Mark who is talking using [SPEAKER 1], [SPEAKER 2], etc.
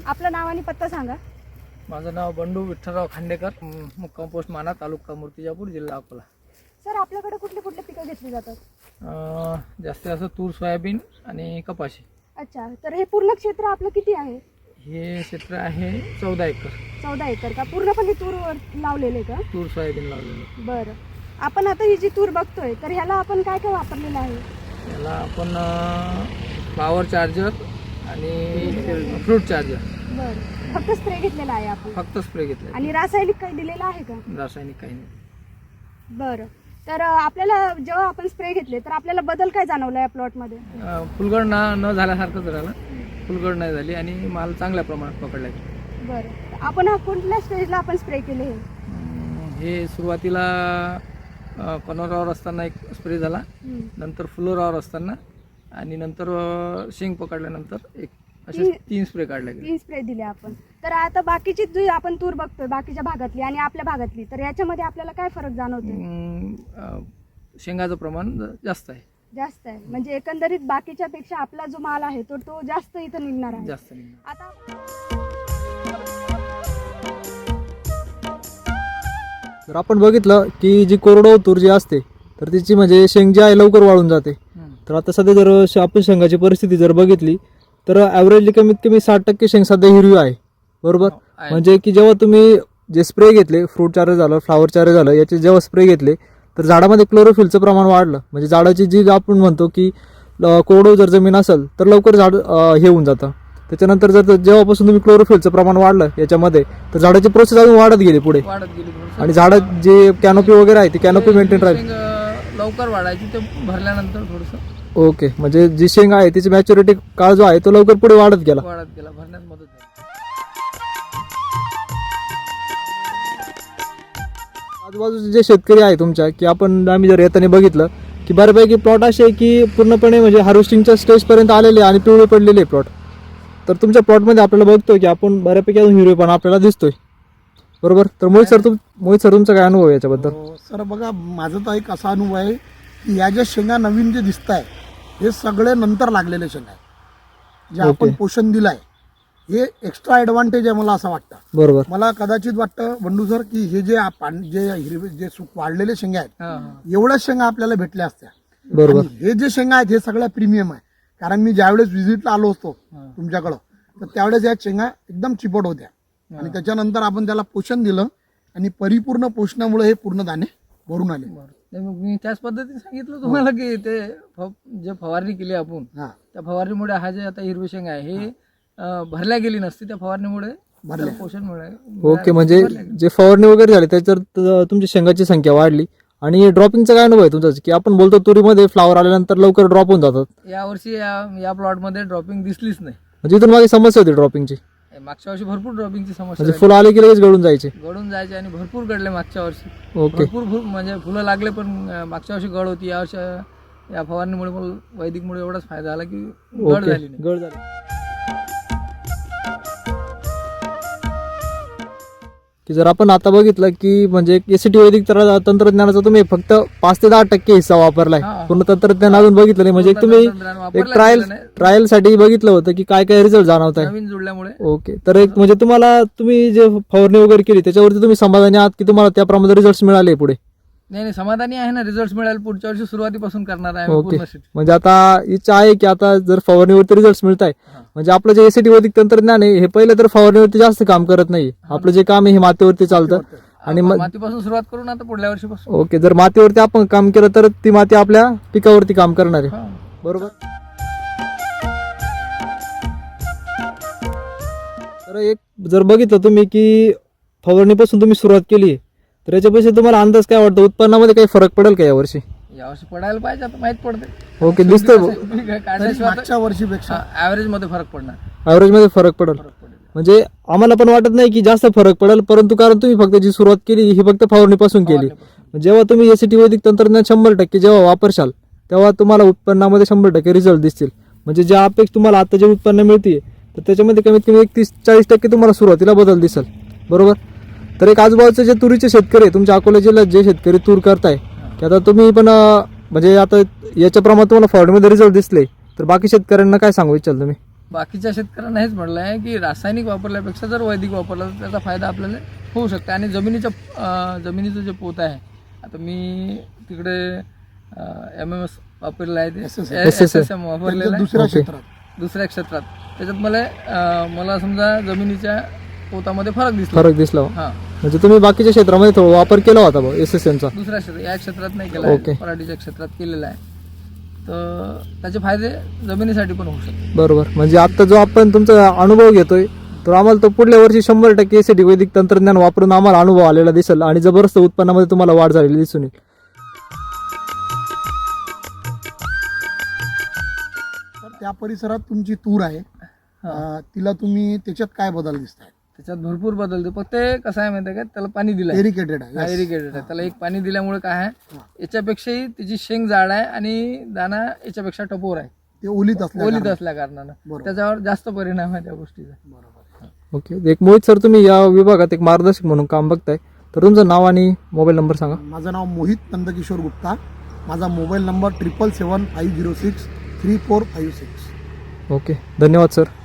[SPEAKER 1] आपलं नाव आणि पत्ता सांगा.
[SPEAKER 2] माझं नाव बंडू विठ्ठलराव खांडेकर, मुक्काम पोस्ट माना, तालुका मूर्तिजापूर, जिल्हा अकोला.
[SPEAKER 1] सर आपल्याकडे कुठले कुठले पिकं घेतली जातात?
[SPEAKER 2] जास्तीत जास्त तूर, सोयाबीन आणि कपाशी.
[SPEAKER 1] अच्छा, तर हे पूर्ण क्षेत्र आपलं किती आहे?
[SPEAKER 2] हे क्षेत्र आहे 14 एकर.
[SPEAKER 1] 14 एकर का? पूर्णपणे तूर लावलेले का?
[SPEAKER 2] तूर सोयाबीन लावलेलं.
[SPEAKER 1] बरं, आपण आता ही जी तूर बघतोय तर ह्याला आपण काय काय वापरलेलं आहे?
[SPEAKER 2] याला आपण फ्लावर चार्जर आणि फ्रूट चार्जर.
[SPEAKER 1] बरं, फक्त स्प्रे घेतलेला आहे आपण?
[SPEAKER 2] फक्त स्प्रे घेतला
[SPEAKER 1] आणि रासायनिक काही दिलेलं आहे का?
[SPEAKER 2] रासायनिक काही नाही.
[SPEAKER 1] बरं, तर आपल्याला जेव्हा आपण स्प्रे घेतले तर आपल्याला बदल काय जाणवला या प्लॉटमध्ये?
[SPEAKER 2] फुलगड न झाल्यासारखंच राहिलं. फुलगड नाही झाली आणि माल चांगल्या प्रमाणात पकडला गेला.
[SPEAKER 1] बरं, आपण हा कोणत्या स्टेजला आपण स्प्रे केले?
[SPEAKER 2] हे सुरुवातीला कनोरावर असताना एक स्प्रे झाला, नंतर फ्लोरावर असताना आणि नंतर शेंग पकडल्यानंतर एक असे 3 स्प्रे काढले गेले.
[SPEAKER 1] 3 स्प्रे दिले आपण. तर आता बाकीची जी आपण तूर बघतोय बाकीच्या भागातली आणि आपल्या भागातली, तर याच्यामध्ये आपल्याला काय फरक जाणवतोय?
[SPEAKER 2] शेंगाचं प्रमाण जास्त आहे.
[SPEAKER 1] जास्त आहे म्हणजे एकंदरीत बाकीच्या पेक्षा आपला जो माल आहे तो जास्त इथं निघणार आहे.
[SPEAKER 2] जास्त निघणार.
[SPEAKER 1] आता
[SPEAKER 3] जर आपण बघितलं की जी कोरडवाहू तूर जी असते तर तिची म्हणजे शेंग जी आहे लवकर वाळून जाते. तर आता सध्या जर आपण शेंगाची परिस्थिती जर बघितली तर ॲव्हरेजली कमीत कमी 60% शेंग सध्या हिरवी आहे, बरोबर? म्हणजे की जेव्हा तुम्ही जे स्प्रे घेतले, फ्रूट चार्जर झालं, फ्लावर चार्जर झालं, याचे जेव्हा स्प्रे घेतले तर झाडामध्ये क्लोरोफिलचं प्रमाण वाढलं. म्हणजे झाडाची जी आपण म्हणतो की कोरडवाहू जर जमीन असेल तर लवकर झाड हे होऊन जातं. त्याच्यानंतर जर जेव्हापासून तुम्ही क्लोरोफिलचं प्रमाण वाढलं याच्यामध्ये तर झाडाची प्रोसेस अजून वाढत गेली पुढे आणि झाडं जे कॅनोपी वगैरे आहे ती कॅनोपी मेंटेन राहील.
[SPEAKER 2] लवकर वाढायची ते भरल्यानंतर थोडंसं.
[SPEAKER 3] ओके, म्हणजे जी शेंग आहे तिची मॅच्युरिटी काळ जो आहे तो लवकर पुढे वाढत गेला.
[SPEAKER 2] भरण्यात मदत झाली.
[SPEAKER 3] आजूबाजूचे जे शेतकरी आहे तुमच्या की आम्ही जर येताना बघितलं की बऱ्यापैकी प्लॉट असे आहे की पूर्णपणे म्हणजे हार्वेस्टिंगच्या स्टेजपर्यंत आलेले आणि पिवळे पडलेले प्लॉट. तर तुमच्या प्लॉटमध्ये आपल्याला बघतोय की आपण बऱ्यापैकी अजून हिरवेपणा आपल्याला दिसतोय, बरोबर? तर मोहित सर तुमचा काय अनुभव आहे याच्याबद्दल?
[SPEAKER 4] सर बघा, माझा तर एक असा अनुभव आहे की या ज्या शेंगा नवीन जे दिसत आहे हे सगळे नंतर लागलेले शेंगा आहे. जे आपण पोषण दिलं आहे हे एक्स्ट्रा ॲडव्हान्टेज आहे मला असं वाटतं.
[SPEAKER 3] बरोबर,
[SPEAKER 4] मला कदाचित वाटतं बंडू सर की हे जे हिरवे जे वाढलेले शेंगा आहेत एवढ्याच शेंगा आपल्याला भेटल्या असत्या.
[SPEAKER 3] बरोबर.
[SPEAKER 4] आणि हे जे शेंगा आहेत हे सगळ्या प्रीमियम आहे. कारण मी ज्यावेळेस व्हिजिटला आलो असतो तुमच्याकडं तर त्यावेळेस या शेंगा एकदम चिपट होत्या आणि त्याच्यानंतर आपण त्याला पोषण दिलं आणि परिपूर्ण पोषणामुळे हे पूर्ण दाणे भरून आले.
[SPEAKER 2] मग मी त्याच पद्धतीने सांगितलं तुम्हाला की ते जे फवारणी केली आपण त्या फवारणीमुळे हा जे आता हिरवी शेंग आहे हे भरल्या गेली नसती, त्या फवारणीमुळे पोषण मिळालं.
[SPEAKER 3] ओके, म्हणजे जे फवारणी वगैरे झाली त्याच्यावर तुमची शेंगाची संख्या वाढली. आणि ड्रॉपिंगचा काय अनुभव आहे तुमचा की आपण बोलतो तुरीमध्ये फ्लावर आल्यानंतर लवकर ड्रॉप होऊन जातात?
[SPEAKER 2] यावर्षी या प्लॉटमध्ये ड्रॉपिंग दिसलीच नाही.
[SPEAKER 3] म्हणजे इथून मागे समस्या होती ड्रॉपिंगची?
[SPEAKER 2] मागच्या वर्षी भरपूर ड्रॉपिंगची समस्या,
[SPEAKER 3] म्हणजे फुलं आले की लगेच गळून जायचे
[SPEAKER 2] आणि भरपूर गळले मागच्या वर्षी.
[SPEAKER 3] ओके,
[SPEAKER 2] भरपूर म्हणजे फुलं लागले पण मागच्या वर्षी गळ होती. यावर्षी या फवारणीमुळे मला वैदिकमुळे एवढाच फायदा झाला की गळ झाली नाही.
[SPEAKER 3] गळ झाली की जर आपण आता बघितलं की म्हणजे एसीटी वैदिक तंत्रज्ञानाचा तुम्ही फक्त 5 ते 10% हिस्सा वापरलाय, पूर्ण तंत्रज्ञान अजून बघितलं नाही. म्हणजे तुम्ही एक ट्रायल साठी बघितलं होतं की काय काय रिझल्ट जाणवत आहे
[SPEAKER 2] नवीन जुळल्यामुळे.
[SPEAKER 3] ओके, तर एक म्हणजे तुम्ही जे फवारणी वगैरे केली त्याच्यावरती तुम्ही समाधानी आहात की तुम्हाला त्याप्रमाणे रिझल्ट मिळाले पुढे?
[SPEAKER 2] नाही, समाधानी आहे ना. रिझल्ट मिळाले पुढच्या वर्षी सुरुवातीपासून करणार आहे.
[SPEAKER 3] ओके, म्हणजे आता इच्छा आहे की आता जर फवारणीवरती रिझल्ट मिळत आहे म्हणजे आपलं जे एसीटी वैदिक तंत्रज्ञान आहे हे पहिलं तर फवारणीवरती जास्त काम करत नाही. आपलं जे काम आहे हे मातीवरती चालतं आणि
[SPEAKER 2] मातीपासून सुरुवात करून आता पुढल्या वर्षीपासून.
[SPEAKER 3] ओके, जर मातीवरती आपण काम केलं तर ती माती आपल्या पिकावरती काम करणार आहे, बरोबर? तर एक जर बघितलं तुम्ही की फवारणीपासून तुम्ही सुरुवात केली तर याच्यापेक्षा तुम्हाला अंदाज काय वाटतं, उत्पन्नामध्ये काही फरक पडेल का यावर्षी?
[SPEAKER 2] यावर्षी पडायला पाहिजे, आता माहित पडते.
[SPEAKER 3] ओके, दिसतोय
[SPEAKER 4] मागच्या वर्षीपेक्षा
[SPEAKER 2] ॲव्हरेज मध्ये फरक पडणार.
[SPEAKER 3] ॲव्हरेज मध्ये फरक पडेल. म्हणजे आम्हाला पण वाटत नाही की जास्त फरक पडेल, परंतु कारण तुम्ही फक्त जी सुरुवात केली ही फक्त फवारणीपासून केली. जेव्हा तुम्ही एसीटी वैदिक तंत्रज्ञान 100% जेव्हा वापरशाल तेव्हा तुम्हाला उत्पन्नामध्ये 100% रिझल्ट दिसतील. म्हणजे ज्या अपेक्षा तुम्हाला आता जे उत्पन्न मिळते तर त्याच्यामध्ये कमीत कमी 30-40% तुम्हाला सुरुवातीला बदल दिसेल, बरोबर? तर एक आजूबाजूचे जे तुरीचे शेतकरी आहे तुमच्या अकोला जिल्ह्यात जे शेतकरी तूर करताय की आता तुम्ही पण म्हणजे आता याच्या प्रमाणात तुम्हाला फवारणीमध्ये रिझल्ट दिसले तर बाकी शेतकऱ्यांना काय सांगू इच्छाल तुम्ही?
[SPEAKER 2] बाकीच्या शेतकऱ्यांना हेच म्हटलं आहे की रासायनिक वापरल्यापेक्षा जर वैदिक वापरला तर त्याचा फायदा आपल्याला होऊ शकतो. आणि जमिनीचं जे पोत आहे, आता मी तिकडे MMS वापरलेलं आहे, ते SSM वापरलेलं आहे
[SPEAKER 4] दुसऱ्या क्षेत्रात
[SPEAKER 2] दुसऱ्या क्षेत्रात. त्याच्यात मला समजा जमिनीच्या पोतामध्ये फरक दिसला. हां,
[SPEAKER 3] म्हणजे तुम्ही बाकीच्या क्षेत्रामध्ये थोडा वापर केला होता बा SSM चा?
[SPEAKER 2] दुसऱ्या क्षेत्रात, या क्षेत्रात नाही केला आहे, पराठीच्या क्षेत्रात केलेला आहे. तर त्याचे फायदे जमिनीसाठी पण होऊ शकतात.
[SPEAKER 3] बरोबर. म्हणजे आता जो आपण तुमचा अनुभव घेतोय तर आम्हाला तो पुढल्या वर्षी 100% एसीटी वैदिक तंत्रज्ञान वापरून आम्हाला अनुभव आलेला दिसेल आणि जबरदस्त उत्पन्नामध्ये तुम्हाला वाढ झालेली दिसून येईल.
[SPEAKER 4] तर त्या परिसरात तुमची तूर आहे, तिला तुम्ही त्याच्यात काय बदल दिसताय?
[SPEAKER 2] त्याच्यात भरपूर बदलते. फक्त ते कसं आहे माहिती आहे का, त्याला पाणी दिलं आहे,
[SPEAKER 4] इरिगेटेड आहे.
[SPEAKER 2] इरिगेटेड आहे. त्याला एक पाणी दिल्यामुळे काय आहे, याच्यापेक्षाही त्याची शेंग जाड आहे आणि दाना याच्यापेक्षा टपोर आहे,
[SPEAKER 4] ते ओलीत
[SPEAKER 2] असल्या कारणानं त्याच्यावर जास्त परिणाम आहे त्या गोष्टीचा.
[SPEAKER 4] बरोबर.
[SPEAKER 3] ओके. एक मोहित सर, तुम्ही या विभागात एक मार्गदर्शक म्हणून काम बघताय, तर तुमचं नाव आणि मोबाईल नंबर सांगा.
[SPEAKER 4] माझं नाव मोहित नंदकिशोर गुप्ता. माझा मोबाईल नंबर 777-506-3456.
[SPEAKER 3] ओके. धन्यवाद सर.